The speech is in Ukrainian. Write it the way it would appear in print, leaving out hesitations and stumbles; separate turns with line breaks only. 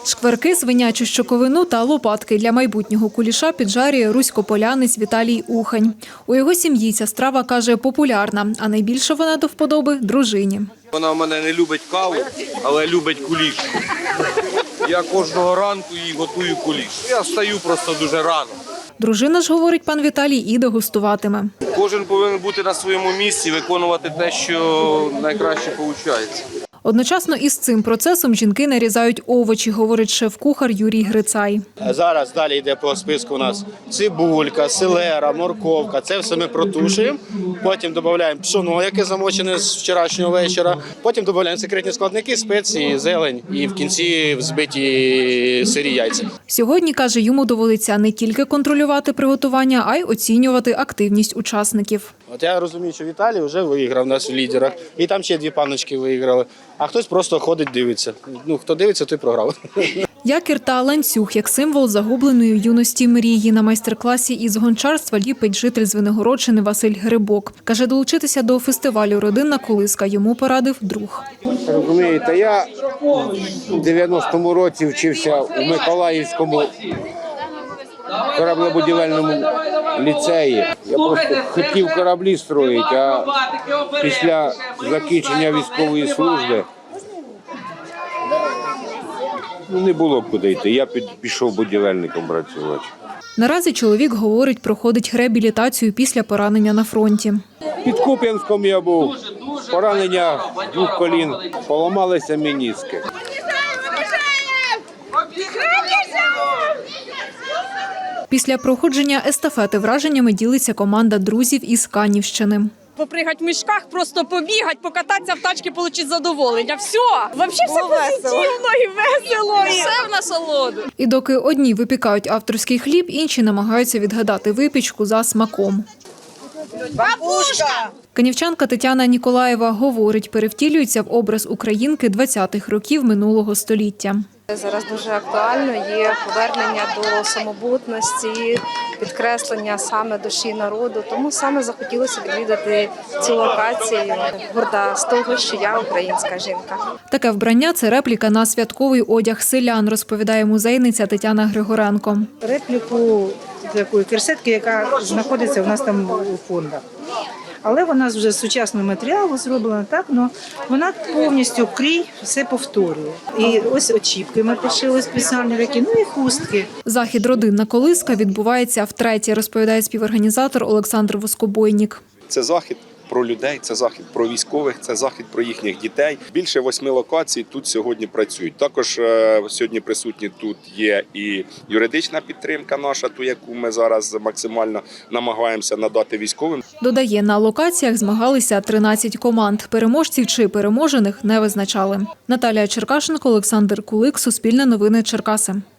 Шкварки, свинячу щоковину та лопатки для майбутнього куліша піджарює руськополянець Віталій Ухань. У його сім'ї ця страва, каже, популярна, а найбільше вона до вподоби дружині.
Вона в мене не любить каву, але любить куліш. Я кожного ранку їй готую куліш. Я встаю просто дуже рано.
Дружина ж, говорить пан Віталій, і дегустуватиме.
Кожен повинен бути на своєму місці, виконувати те, що найкраще виходить.
Одночасно із цим процесом жінки нарізають овочі, говорить шеф-кухар Юрій Грицай.
Зараз далі йде по списку у нас цибулька, селера, морковка. Це все ми протушуємо. Потім додаємо пшоно, яке замочене з вчорашнього вечора. Потім додаємо секретні складники, спеції, зелень і в кінці взбиті сирі яйця.
Сьогодні, каже, йому доводиться не тільки контролювати приготування, а й оцінювати активність учасників.
От я розумію, що Віталій вже виграв нас в лідерах. І там ще 2 панночки виграли. А хтось просто ходить, дивиться. Хто дивиться, той програв.
Якір та ланцюг як символ загубленої юності мрії. На майстер-класі із гончарства ліпить житель Звенигородщини Василь Грибок. Каже, долучитися до фестивалю «Родинна колиска» йому порадив друг.
Розумієте, я в 90-му році вчився у Миколаївському кораблебудівельному ліцеї. Я просто хотів кораблі строїти, а після закінчення військової служби не було б куди йти. Я пішов будівельником працювати.
Наразі чоловік, говорить, проходить реабілітацію після поранення на фронті.
Під Куп'янськом я був, поранення 2 колін, поламалися меніски.
Після проходження естафети враженнями ділиться команда друзів із Канівщини.
Попригати в мішках, просто побігати, покататися в тачці, отримати задоволення. Все! Взагалі все позитивно і весело, і все в насолоду.
І доки одні випікають авторський хліб, інші намагаються відгадати випічку за смаком.
Бабушка!
Канівчанка Тетяна Ніколаєва говорить, перевтілюється в образ українки 20-х років минулого століття.
Зараз дуже актуально є повернення до самобутності, підкреслення саме душі народу. Тому саме захотілося відвідати цю локацію. Горда з того, що я українська жінка.
Таке вбрання – це репліка на святковий одяг селян, розповідає музейниця Тетяна Григоренко.
Репліку такої керсетки, яка знаходиться у нас там у фондах. Але вона вже з сучасного матеріалу зроблена так, але вона повністю крій все повторює. І ось очіпки ми пошили спеціальні такі, ну і хустки.
Захід «Родинна колиска» відбувається втретє, розповідає співорганізатор Олександр Воскобойнік.
Це захід про людей, це захід про військових, це захід про їхніх дітей. Більше 8 локацій тут сьогодні працюють. Також сьогодні присутні тут є і юридична підтримка наша, ту, яку ми зараз максимально намагаємося надати військовим.
Додає, на локаціях змагалися 13 команд. Переможців чи переможених не визначали. Наталія Черкашенко, Олександр Кулик, Суспільне новини, Черкаси.